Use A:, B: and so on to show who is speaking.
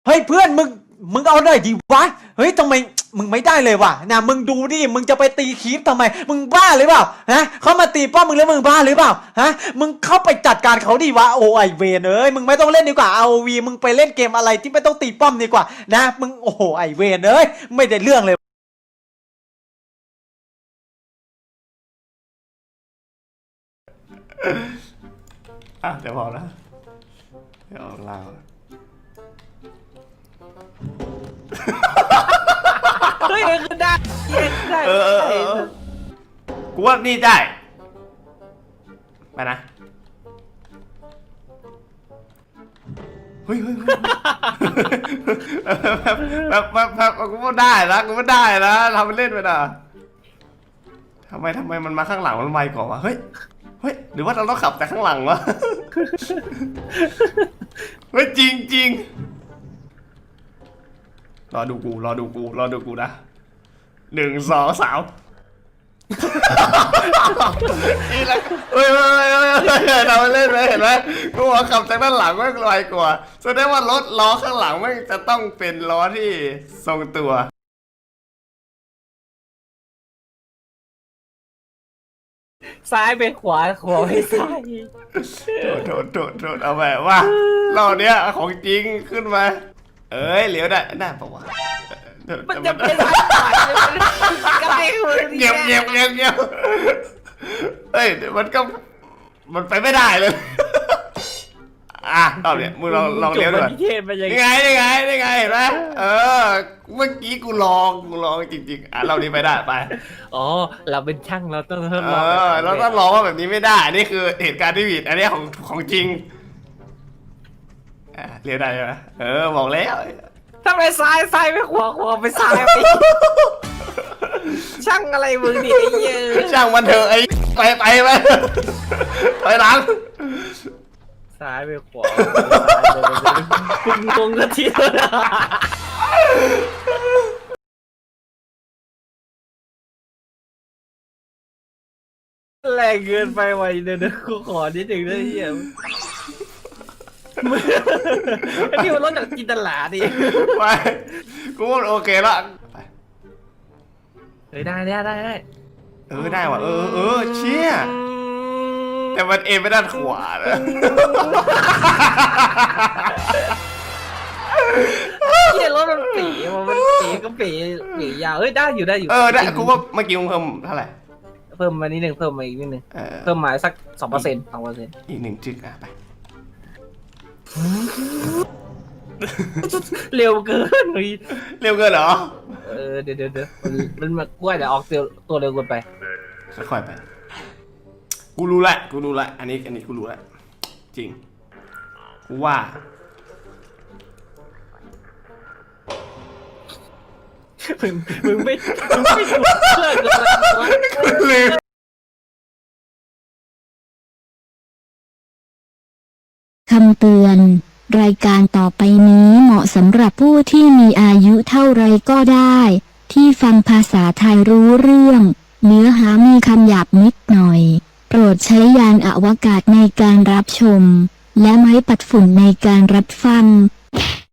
A: เฮ้ยเพื่อนมึงเอาหน่อยดิวะเฮ้ยทำไมมึงไม่ได้เลยวะนะมึงดูดิมึงจะไปตีคีปทำไมมึงบ้าหรือเปล่าฮะเขามาตีป้อมมึงแล้วมึงบ้าหรือเปล่าฮะมึงเข้าไปจัดการเขาดิวะโอ้ไอเวนเอ้ยมึงไม่ต้องเล่นดีกว่า ROV มึงไปเล่นเกมอะไรที่ไม่ต้องตีป้อมดีกว่านะมึงโอ้โหไอเวนเอ้ยไม่ได้เรื่องเลย
B: เดี๋ยวพอแล้วเดี๋ยวเล่า
C: เฮ้ยคือได้ได้
B: กูว่านี่ได้ไปนะเฮ้ยแบบกูว่าได้นะกูว่าได้นะทำมันเล่นไปนะทำไมมันมาข้างหลังมันไวกว่าวะเฮ้ยหรือว่าเราต้องขับแต่ข้างหลังวะเฮ้ยจริงรอดูกูนะ1 2 3นี่แหละเฮ้ยทำมันเล่นไปเห็นไหมกูว่าขับจากด้านหลังไม่ไวกว่าแสดงว่ารถล้อข้างหลังไม่จะต้องเป็นล้อที่ทรงตัว
C: ซ้ายไปขวาไปซ้าย
B: โทษเอาแบบว่าเราเนี้ยของจริงขึ้นมาเอ้ยเหลียวได้ปะวะ
C: มันจะเป็นซ้ายขวาก็ไม่
B: เงียบเฮ้ยมันไปไม่ได้เลยตอนเนี้ยมึงลองเลี้ยวด้วยนี่ไงเห็นไหมเมื่อกี้กูลองจริงๆเรานี้ไปได้ไป
C: อ๋อเราเป็นช่างเราต้องทดลอง
B: เราต้องลองว่าแบบนี้ไม่ได้นี่คือเหตุการณ์ที่ผิดอันนี้ของจริงเลี้ยวได้ไหมบอกแล้ว
C: ถ้าไปซ้ายไปขวาไปซ้ายช่างอะไรมึงดิไอ้เหี้ย
B: ช่างมันเถอะไอ้ไปถอยหลัง
C: ซ้ายไปขวาคุณงงกันทีแรงเกินไปไวเดี๋ยวกูขอนิดหนึ่งได้เหี้ยนี่มันรถจากจินตลาดิ
B: ไปกูว่าโอเคละ
C: เฮ้ยได้
B: ได้ว่ะเชี่ยแต่มันเอ็นไปด้านขวานะ
C: เหี้ยรถมันปีก็ปียาวได้อยู่ได้
B: กูว่าเมื่อกี้มึงเพิ่มเท่าไหร่
C: เพิ่มมานิดนึงเพิ่มมาอีกนิดนึงเพิ่มมาสัก 2%
B: อีก1 จึกไป
C: เร็วเกิน
B: เหรอ
C: เดี๋ยวมันมากล้วยแต่ออกตัวเร็วเกินไป
B: ค่อยๆไปกูรู้ละอันนี้กูรู้ละจริงกูว่า
C: มึงไม่ดูเพื่อนเลย
D: คำเตือนรายการต่อไปนี้เหมาะสำหรับผู้ที่มีอายุเท่าไรก็ได้ ที่ฟังภาษาไทยรู้เรื่องเนื้อหามีคำหยาบนิดหน่อยโปรดใช้ยานอวกาศในการรับชมและไม้ปัดฝุ่นในการรับฟัง